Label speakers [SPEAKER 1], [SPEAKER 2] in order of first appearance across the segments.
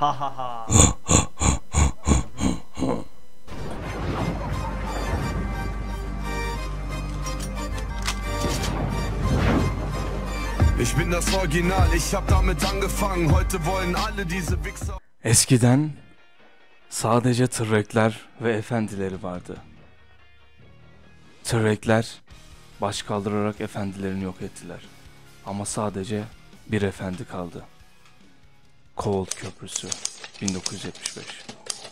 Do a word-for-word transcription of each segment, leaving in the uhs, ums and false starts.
[SPEAKER 1] Ha ha ha.
[SPEAKER 2] Ich bin das Original, ich hab damit angefangen. Heute wollen alle diese Wichser.
[SPEAKER 3] Eskiden sadece tırrekler ve efendileri vardı. Tırrekler baş kaldırarak efendilerini yok ettiler. Ama sadece bir efendi kaldı. Kovold Köprüsü bin dokuz yüz yetmiş beş.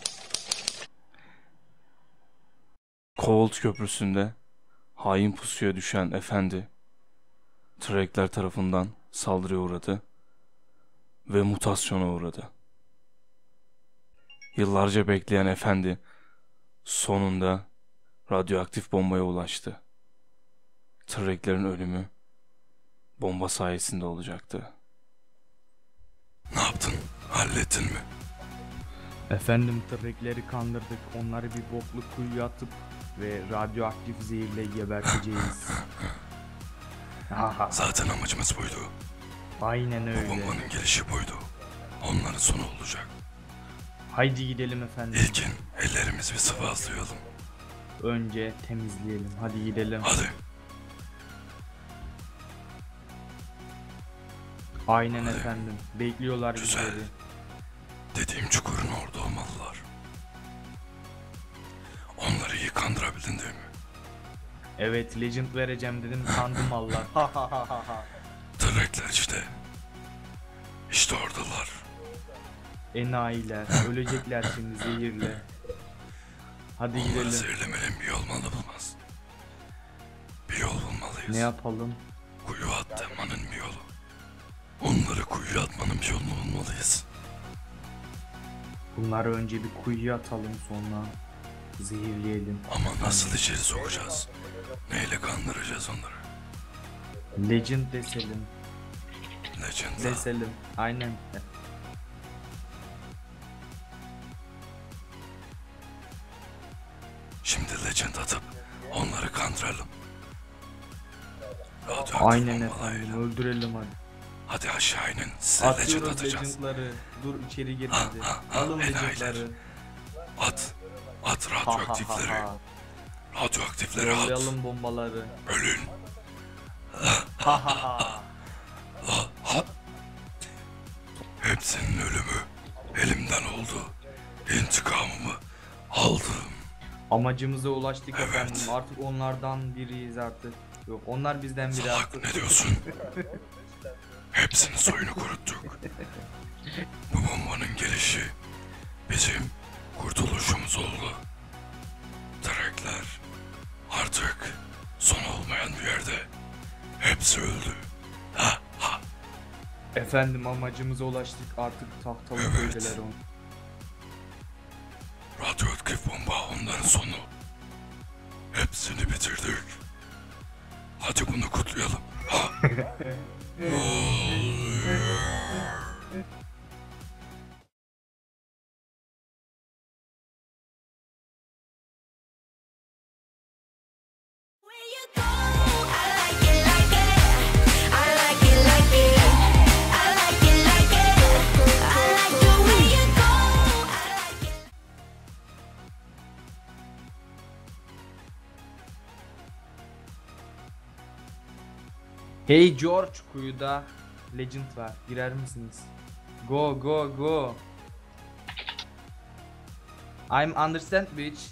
[SPEAKER 3] Kovold Köprüsü'nde hain pusuya düşen efendi Tırrekler tarafından saldırıya uğradı ve mutasyona uğradı. Yıllarca bekleyen efendi sonunda radyoaktif bombaya ulaştı. Tırreklerin ölümü bomba sayesinde olacaktı.
[SPEAKER 2] Ne yaptın? Hallettin mi?
[SPEAKER 1] Efendim, tırrekleri kandırdık. Onları bir bokluk kuyuya atıp ve radyoaktif zehirle geberteceğiz.
[SPEAKER 2] Zaten amacımız buydu.
[SPEAKER 1] Aynen
[SPEAKER 2] Bu
[SPEAKER 1] öyle.
[SPEAKER 2] bombanın gelişi buydu. Onların sonu olacak.
[SPEAKER 1] Haydi gidelim efendim.
[SPEAKER 2] İlkin ellerimizi bir sıvazlayalım.
[SPEAKER 1] Önce temizleyelim. Hadi gidelim.
[SPEAKER 2] Hadi.
[SPEAKER 1] Aynen
[SPEAKER 2] Hadi.
[SPEAKER 1] efendim. Bekliyorlar
[SPEAKER 2] Güzel.
[SPEAKER 1] bizleri.
[SPEAKER 2] Dediğim çukurun orada olmalılar. Onları iyi kandırabildin değil mi?
[SPEAKER 1] Evet, legend vereceğim dedim, kandım Allah.
[SPEAKER 2] Tırrekler işte. İşte oradalar.
[SPEAKER 1] Enayiler. Ölecekler şimdi zehirle. Hadi
[SPEAKER 2] Onları
[SPEAKER 1] gidelim.
[SPEAKER 2] zehirlemenin bir yol bulmaz. Bir yol bulmalıyız.
[SPEAKER 1] Ne yapalım?
[SPEAKER 2] Kuyu atmanın bir yolu. Onları kuyuya atmanın bir yolunu bulmalıyız.
[SPEAKER 1] Bunları önce bir kuyuya atalım, sonra zehirleyelim.
[SPEAKER 2] Ama nasıl içeri sokacağız? Neyle kandıracağız onları?
[SPEAKER 1] Legend deselim.
[SPEAKER 2] Legend'la.
[SPEAKER 1] Deselim. Aynen.
[SPEAKER 2] Şimdi Legend atıp onları kandıralım. Radyoaktif
[SPEAKER 1] Aynen
[SPEAKER 2] bombalarıyla.
[SPEAKER 1] efendim. Öldürelim hadi.
[SPEAKER 2] Hadi aşağı inin. Size Legend
[SPEAKER 1] Atıyoruz
[SPEAKER 2] atacağız.
[SPEAKER 1] legendları. Dur, içeri gir
[SPEAKER 2] Ha,
[SPEAKER 1] hadi.
[SPEAKER 2] ha, ha,
[SPEAKER 1] Alın
[SPEAKER 2] enayiler.
[SPEAKER 1] legendları.
[SPEAKER 2] At. At
[SPEAKER 1] Ha ha ha
[SPEAKER 2] radyoaktifleri.
[SPEAKER 1] ha.
[SPEAKER 2] Radyoaktifleri at.
[SPEAKER 1] Yollayalım bombaları.
[SPEAKER 2] Ölün.
[SPEAKER 1] Ha ha ha.
[SPEAKER 2] Hepsinin ölümü elimden oldu. İntikamımı aldım.
[SPEAKER 1] Amacımıza ulaştık
[SPEAKER 2] Evet.
[SPEAKER 1] efendim. Artık onlardan biriyiz artık. Yok, onlar bizden biri
[SPEAKER 2] Salak,
[SPEAKER 1] artık.
[SPEAKER 2] ne diyorsun? Hepsinin soyunu kuruttuk. Bu bombanın gelişi bizim kurtuluşumuz oldu. Tırrekler artık son olmayan bir yerde. Hepsi öldü. Ha ha.
[SPEAKER 1] Efendim, amacımıza ulaştık artık, tahtalı
[SPEAKER 2] Evet.
[SPEAKER 1] köydeler on.
[SPEAKER 2] Radyoaktif bomba onların sonu. Hepsini bitirdik. Hadi bunu kutlayalım. Ha.
[SPEAKER 4] Where you go, I like it like it. I like it like it. I like it like it. I like the way you go. I like it.
[SPEAKER 1] Hey George, kuyuda legend var. Girer misiniz? Go go go. I'm understand bitch.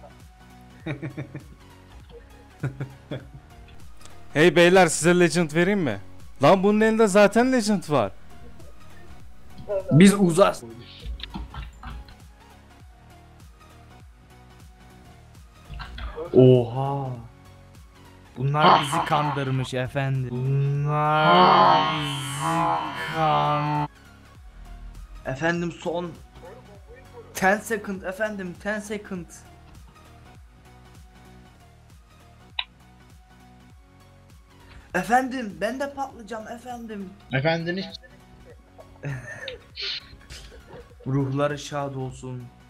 [SPEAKER 3] Hey beyler, size Legend vereyim mi? Lan bunun elinde zaten Legend var.
[SPEAKER 1] Biz uzas. Oha. Bunlar bizi kandırmış efendim. Bunlar bizi kan. Efendim, son on second efendim, on second. Efendim, ben de patlayacağım efendim.
[SPEAKER 5] Efendiniz
[SPEAKER 1] Ruhları şad olsun.